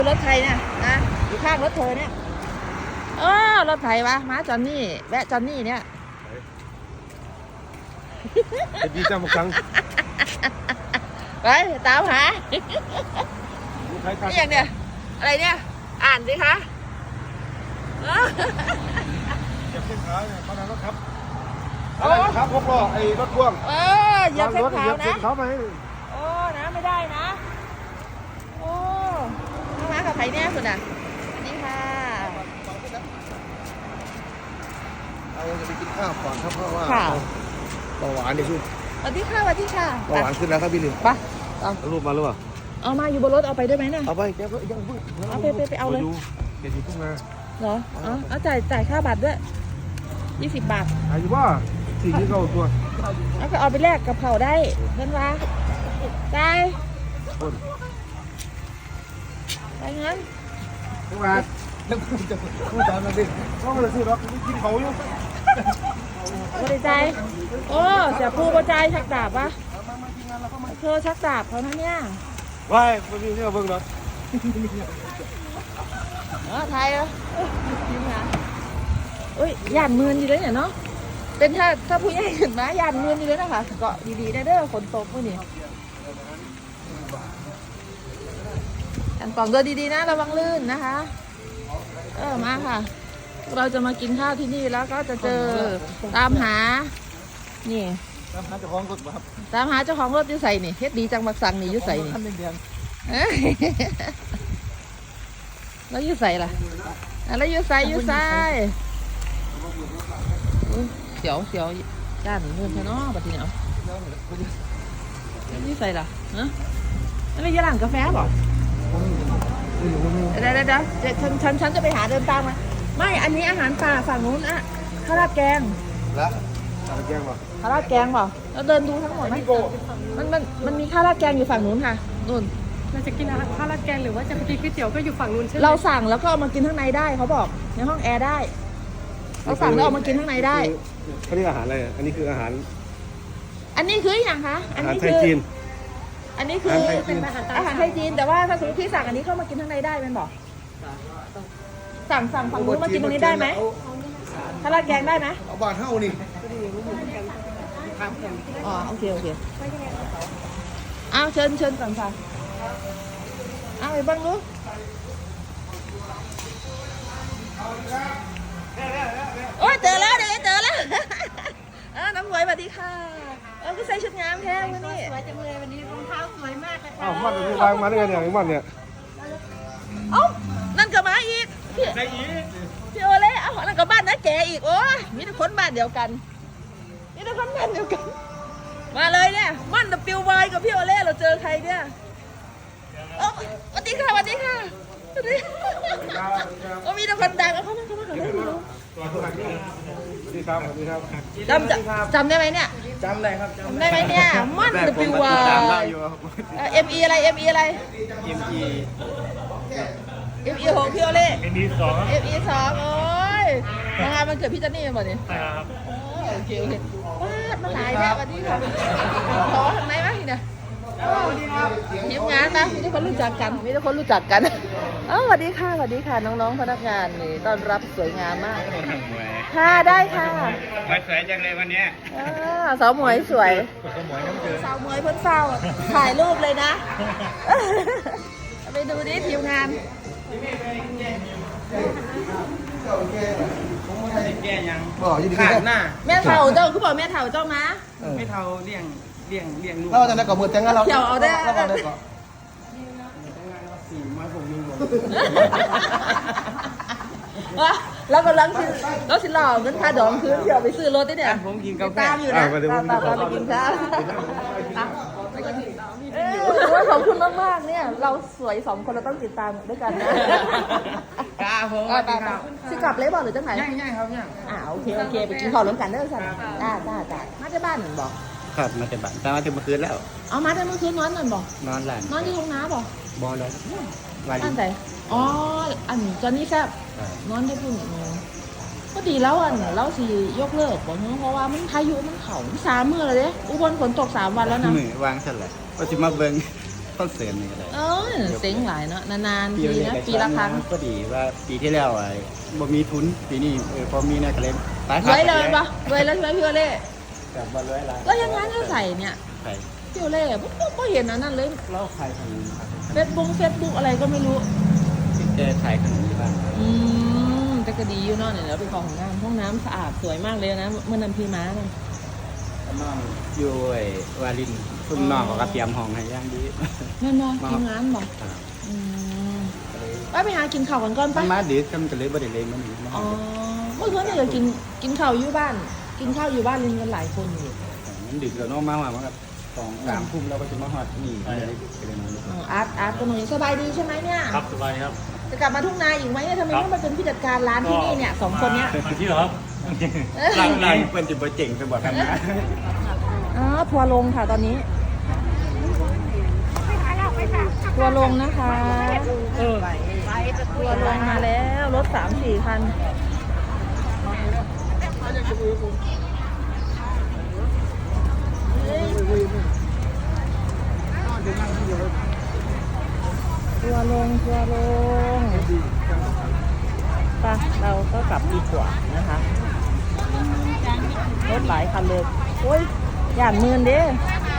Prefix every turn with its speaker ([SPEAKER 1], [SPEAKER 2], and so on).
[SPEAKER 1] รถไทยเนี่ยนะอยู่ข้างรถเธอเนี่ยรถไถวะมาจอนนี่แวะจอนนี่เนี่ย
[SPEAKER 2] ดีจังหมดครั้ง
[SPEAKER 1] ไปตามหานี่อย่างเนี้ยอะไรเนี่ยอ่านสิคะ
[SPEAKER 2] เหยียบเส้นขาวเนี่ยเขาทำรถครับอะไรครับพวกล้อไอ้รถพ่วง
[SPEAKER 1] เหยียบเส้นขาวนะ
[SPEAKER 2] เขาไป
[SPEAKER 1] นะไม่ได้นะน้องมากับใครเนี่ยสุดอ่ะนี่ค่ะ
[SPEAKER 2] เราจะไปกินข้าวก่อนครับเพราะว่าเบาหวานนี่คือ
[SPEAKER 1] สวัสดีค่ะ
[SPEAKER 2] เบาหวานขึ้นแล้วครับพี่ลิน
[SPEAKER 1] ไป
[SPEAKER 2] เอารูปมาหรือเปล่า
[SPEAKER 1] เอามาอยู่บนรถเอาไปได้ไหมเนี่ย
[SPEAKER 2] เอาไปแกก็ยังพูด
[SPEAKER 1] เอาไปเอาเลย
[SPEAKER 2] เดี๋ยวอยู่ทุ่งนา
[SPEAKER 1] เหรอเอาจ่ายค่าบัตรด้วย20 บาท
[SPEAKER 2] อายุว่าสิ่งที่เขาตัว
[SPEAKER 1] เอาไปแลกกับเผาได้เงินวะได้ไปงั้น
[SPEAKER 2] ทุกวันแล้วคุณจะพูดตามนั้นดิเขาไม่ได้ซื้อหรอกกินเขาอยู่
[SPEAKER 1] บริใจเสียผู้บริใจชักดาบวะเธอชักดาบเขานะเนี่ย
[SPEAKER 2] ว้ายไม่มีเรื่องเบิ่งหรอก
[SPEAKER 1] ไทยเหรอจริงนะหยาดมือดีเลยเนี่ยเนาะเป็นถ้าผู้ใหญ่ขึ้นมาหยาดมือดีเลยนะคะเกาะดีๆได้เด้อฝนตกเมื่อนี้กันกล่องเดินดีๆนะระวังลื่นนะคะมาค่ะเราจะมากินข้าวที่นี่แล้วก็จะเจอตามหานี่
[SPEAKER 2] ตามหาเจ้าของรถครับ
[SPEAKER 1] ตามหาเจ้าของรถยุ่ใส่นี่เฮ็ดดีจังบักสังนี่ยุ่ใส่นี่แล้วยุ่ใส่ล่ะแล้วยุ่ใส่เสียวด้านเงินใช่เนาะบัดทีเนาะยุ่ใส่ล่ะนั่นไม่ยาหลังกาแฟบอกเดี๋ยวฉันจะไปหาเดินตามมาไม่อันนี้อาหารป่าฝั่งนู้นอะข้าวราดแกง
[SPEAKER 2] แล้วข้าวราดแกงป่ะ
[SPEAKER 1] ข้าวราดแกงป่ะเราเดินดูทั้งหมดไหมมันมีข้าวราดแกงอยู่ฝั่งนู้นค่ะนู่น
[SPEAKER 3] เราจะกินข้าวราดแกงหรือว่าจะไปกินก๋วยเตี๋ยวก็อยู่ฝั่งนู้นใช่ไหม
[SPEAKER 1] เราสั่งแล้วก็เอามากินข้างในได้เขาบอกในห้องแอร์ได้เราสั่งแล้วเอามากินข้างในได้
[SPEAKER 2] เขาเรียกอาหารอะไรอันนี้คืออาหาร
[SPEAKER 1] อย่างคะ
[SPEAKER 2] อาหารไทยจีน
[SPEAKER 1] อันนี้คือเป็นอาหารไทยจีนแต่ว่าถ้าสมมติพี่สั่งอันนี้เข้ามากินข้างในได้มันบอกสั่งฝั่งนู้นมากินตรงนี้ได้ไหมข้าวราดแกงได้ไหม
[SPEAKER 2] เอาบาทเท่านี่
[SPEAKER 1] โอเคเอาเชิญก่อนค่ะเอาไปบ้างลูกเจอแล้วน้ำหวยสวัสดีค่ะก็ใส่ชุดงามแท้วันนี้
[SPEAKER 3] สวยจังเลยวันนี้รองเท้าสวยมากเลย
[SPEAKER 2] ค่ะมันจะวางมาได้ไงเนี่ยมันเนี่ย
[SPEAKER 1] นั่นก็มาอีกพี่โอเล่นั่นก็บ้านน้าแกอีกมีแต่คนบ้านเดียวกันมาเลยเนี่ยมันดับปิววายกับพี่โอเล่เราเจอใครเนี่ยสวัสดีค่ะมีแต่คนดังเขามาก่อนได้ดู
[SPEAKER 2] สวัสดีครับ
[SPEAKER 1] จำได้ไหมเนี่ย
[SPEAKER 2] จำได้ครับ
[SPEAKER 1] จำได้ไหมเนี่ยมันดับปิววายME อะไร ME ของพี่โอเล่ ME2 โอ้ยงานมันเกิดพี่จันนี่มาเนี่ย
[SPEAKER 4] ใช่ครับ
[SPEAKER 1] โอเคมาหลายแล้ววันนี้ค่ะขอทางไหนวะทีเนี่ยทีมงานนะมีทุกคนรู้จักกันสวัสดีค่ะน้องๆพนักงานนี่ต้อนรับสวยงามมากค่ะได้ค่ะ
[SPEAKER 4] สวยจังเลยวันนี้
[SPEAKER 1] สาวหมวยสวยสาวหมวยเพิ่นเฝ้าถ่ายรูปเลยนะไปดูดิทีมงาน
[SPEAKER 4] แก่ยัง
[SPEAKER 2] ขาด
[SPEAKER 4] หน้า
[SPEAKER 1] แม่เฒ่าเจ้าคือบอกแม่เฒ่าเจ้ามา
[SPEAKER 4] ไม่เท่าเลี้ยงลูก
[SPEAKER 2] เราจะได้ก่อมือแต่งงานเรา
[SPEAKER 1] เที่ยวเอาได้แล้วก็ลังสิหล่อเงินค่าดองคืนเที่ยวไปซื้อรถได้เนี่ย
[SPEAKER 4] ผมกินกาแฟ
[SPEAKER 1] ตามอยู่นะตามไปกินข้าวขอบคุณมากๆเนี่ยเราสวย2 คนเราต้องติดตามด้วยกันนะ
[SPEAKER 4] ผม
[SPEAKER 1] สิกลับเลยบอกหรือจังไหน
[SPEAKER 4] ย่างครับย่าง
[SPEAKER 1] โอเคไปกินข้าวร่วมกันเด้อสันจ้ามาที่บ้านหนึ่งบอก
[SPEAKER 4] ครับมาแต่บ้านแต่มาถึงเมื่อคืนแล้ว
[SPEAKER 1] มาแต่เมื่อคืนนอนนั่นบอก
[SPEAKER 4] นอนหลับ
[SPEAKER 1] นอนที่ห้องน้ำบอก
[SPEAKER 4] บอลเลย
[SPEAKER 1] อันไหนอันจอนนี่แซ่บนอนได้พุ่งก็ดีแล้วเราสิยกเลิกบอกเพราะว่ามันพายุมันเขา3 มื้อเลยอุบลฝนตก3 วันแล้วนะ
[SPEAKER 4] มือวางสั่นเลยก็จะมาเบิ้งพคอนเสิร์ตนี่ก็ได้
[SPEAKER 1] เซ็งหลายเนาะนานๆทีนะปีละครั้ง
[SPEAKER 4] ก็ดีว่าปีที่แล้วไอ้บ่มีทุนปีนี้พอมีเนี่ยก็เลยไป
[SPEAKER 1] รวยเลยปะรวยแล้วใช่ไหมพี่โอเล่
[SPEAKER 4] กับบ่รวยหลาย
[SPEAKER 1] ก็ยังงั้นก็ใส่เนี่ย
[SPEAKER 4] ใคร
[SPEAKER 1] พี่โอเล่ก็เห็นอันนั้นเลย
[SPEAKER 4] เล่าใครทางนี้ครับ
[SPEAKER 1] เฟซบุ๊กอะไรก็ไม่รู้
[SPEAKER 4] แกถ่ายขนมที่บ้าน
[SPEAKER 1] แต่ก็ดีอยู่เนาะเนี่ยเราไปขอห้องน้ำสะอาดสวยมากเลยนะเมื่อนำพี่ม้าเนี่ย
[SPEAKER 4] น้องอยู่ไอ้วาลินซุ่มน้องเขาก็เตรียมห้องให้อย่างดี
[SPEAKER 1] แม่นบอกทีมงานบอกไปหากินข้าวกันก่อน
[SPEAKER 4] มั
[SPEAKER 1] ปะ
[SPEAKER 4] นมาดึกกันก็เลยบ่ได้เล่นมันนี่
[SPEAKER 1] อ๋อเมื่อคืนเนี่ยกินข้าวอยู่บ้าน กินข้าวอยู่บ้านเรียนกันหลายคนอยู่
[SPEAKER 4] มันดึกแล้วเนาะมาว่ามันก็2-3 ทุ่มเราก็จะมาฮอดนี่ก็เลยนอน
[SPEAKER 1] อาร์ตก็หนูสบายดีใช่ไหมเนี่ย
[SPEAKER 2] ครับสบายครับ
[SPEAKER 1] จะกลับมาทุ่งนาอีกไหมเนี่ยทำไมต้องมาเป็นผู้จัดการร้านที่นี่เนี่ยสองคนเนี้ย
[SPEAKER 2] มาที่เหรอครับ
[SPEAKER 4] หลังนี้เพิ่นสิบ่เจ๋งไปบ่กันนะ
[SPEAKER 1] ทัวร์ลงค่ะตอนนี้ทัวร์ลงนะคะทัวร์ลงมาแล้วรถ 3-4 คันทัวร์ลงไปเราก็กลับดีกว่านะคะรถหลายคันเลยโอ้ยย่านหมื่นเด้